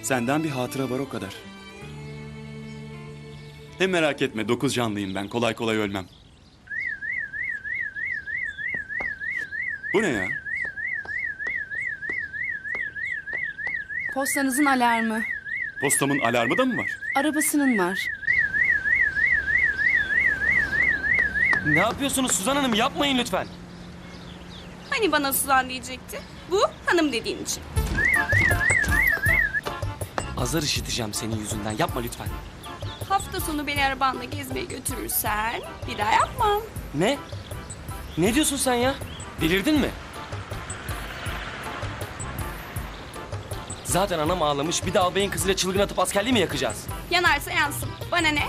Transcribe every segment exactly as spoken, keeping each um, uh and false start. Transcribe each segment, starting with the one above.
Senden bir hatıra var o kadar. Hem merak etme, dokuz canlıyım ben. Kolay kolay ölmem. Bu ne ya? Postanızın alarmı. Postamın alarmı da mı var? Arabasının var. Ne yapıyorsunuz Suzan Hanım? Yapmayın lütfen. Hani bana Suzan diyecekti? Bu hanım dediğin için. Azar işiteceğim senin yüzünden. Yapma lütfen. Hafta sonu beni arabanla gezmeye götürürsen bir daha yapmam. Ne? Ne diyorsun sen ya? Delirdin mi? Zaten anam ağlamış. Bir de albayın kızıyla çılgın atıp askerliği mi yakacağız? Yanarsa yansın. Bana ne?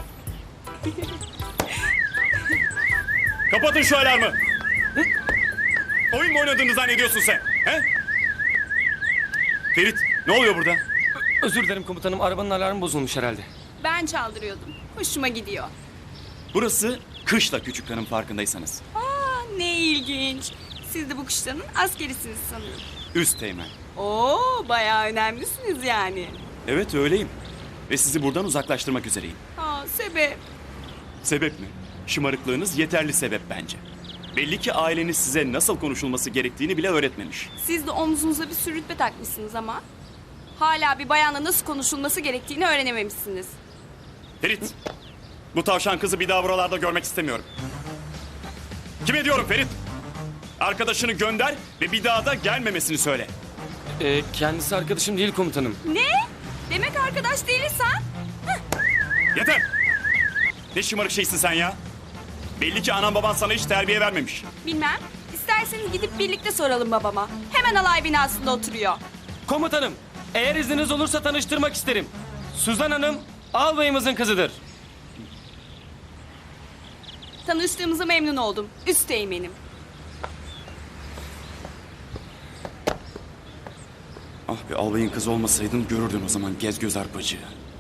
Kapatın şu alarmı! Oyun mu oynadığını zannediyorsun sen? He? Ferit, ne oluyor burada? Özür dilerim komutanım. Arabanın alarmı bozulmuş herhalde. Ben çaldırıyordum. Hoşuma gidiyor. Burası kışla küçük hanım, farkındaysanız. Aa, ne ilginç. Siz de bu kışlanın askerisiniz sanırım. Üst teğmen. Oo, bayağı önemlisiniz yani. Evet, öyleyim. Ve sizi buradan uzaklaştırmak üzereyim. Aa, sebep. Sebep mi? Şımarıklığınız yeterli sebep bence. Belli ki aileniz size nasıl konuşulması gerektiğini bile öğretmemiş. Siz de omzunuza bir sürü rütbe takmışsınız ama hala bir bayanla nasıl konuşulması gerektiğini öğrenememişsiniz. Ferit, bu tavşan kızı bir daha buralarda görmek istemiyorum. Kime diyorum Ferit? Arkadaşını gönder ve bir daha da gelmemesini söyle. Ee, kendisi arkadaşım değil komutanım. Ne? Demek arkadaş değiliz ha? Yeter! Ne şımarık şeysin sen ya? Belli ki anan baban sana hiç terbiye vermemiş. Bilmem. İsterseniz gidip birlikte soralım babama. Hemen alay binasında oturuyor. Komutanım, eğer izniniz olursa tanıştırmak isterim. Suzan Hanım, albayımızın kızıdır. Tanıştığımıza memnun oldum. Üsteğmenim. Ah be, albayın kızı olmasaydın görürdün o zaman gez göz arpacığı.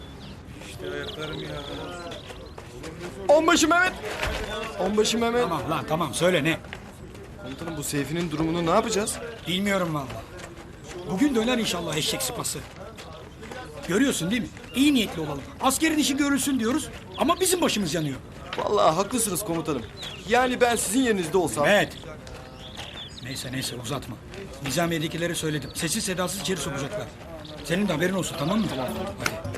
Onbaşı Mehmet. Onbaşı Mehmet. Tamam lan tamam söyle ne? Komutanım bu Seyfi'nin durumunu ne yapacağız? Bilmiyorum vallahi. Bugün döner inşallah eşek sıpası. Görüyorsun değil mi? İyi niyetli olalım. Askerin işi görülsün diyoruz ama bizim başımız yanıyor. Vallahi haklısınız komutanım. Yani ben sizin yerinizde olsam... Evet. Neyse neyse uzatma. Nizamiye'dekileri söyledim. Sessiz sedasız içeri sokacaklar. Senin de haberin olsun tamam mı? Hadi.